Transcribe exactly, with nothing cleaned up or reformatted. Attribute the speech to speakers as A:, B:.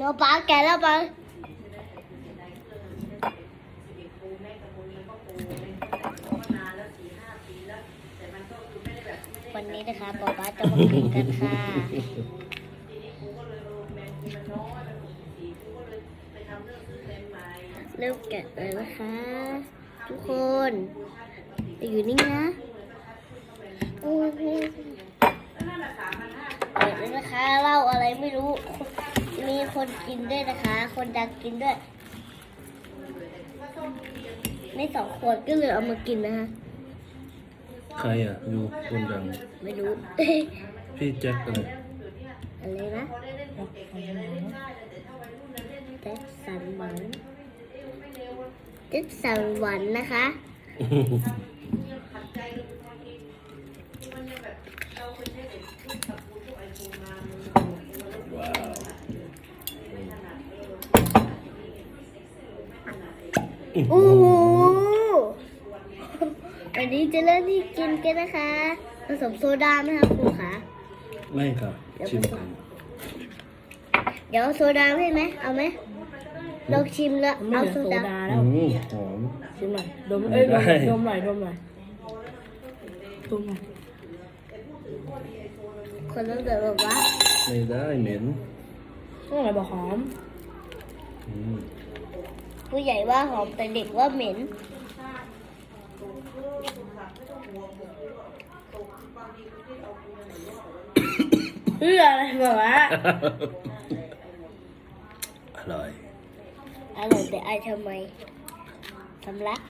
A: เราปลาแกะแล้วปลาวันนี้นะคะป๊าป๊าจะมากินกันค่ะเริ่มแกะเลยนะคะทุกคนอยู่นี่นะเปิดเลยนะคะเล่าอะไรไม่รู้มีคนกินด้วยนะคะ คนดังกินด้วยในสองขวดก็เลยเอามากินนะคะ
B: ใครอ่ะอยู่คนดัง
A: ไม่รู้
B: พี่แจ็คอะไร
A: อะไรนะแจ็คสันหวังแจ็คสันหวันนะคะ
B: ว้าว
A: โอ้โหวันนี้จะเริ่มที่กินกันนะคะผสมโซดาไหมคะครูคะ
B: ไม่ค่ะชิมกัน
A: เดี๋ยวโซดาให้ไหมเอาไหมลองชิมแล้ว
C: ไม่
A: เอา
C: เหลือ
A: โซ
C: โซ
A: ดา
C: ดา
B: อื
C: แล้ว
B: มหอม
C: ชิมหน่อยดมเอ้ยดม
B: ได้
C: ดมหน่อยดมหน่อยดมหน่อย
A: คนต้องเดินแบบว่า
B: ไม่ได้เหม็น
C: ต้องอะไรบอกหอม
B: อืม
A: ผู้ใหญ่ว่าหอมแต่เด็กว่าเหม็น
C: เพื่ออะไรแบบว่า
B: อร่อย
A: อร่อยแต่อายทำไมสำลัก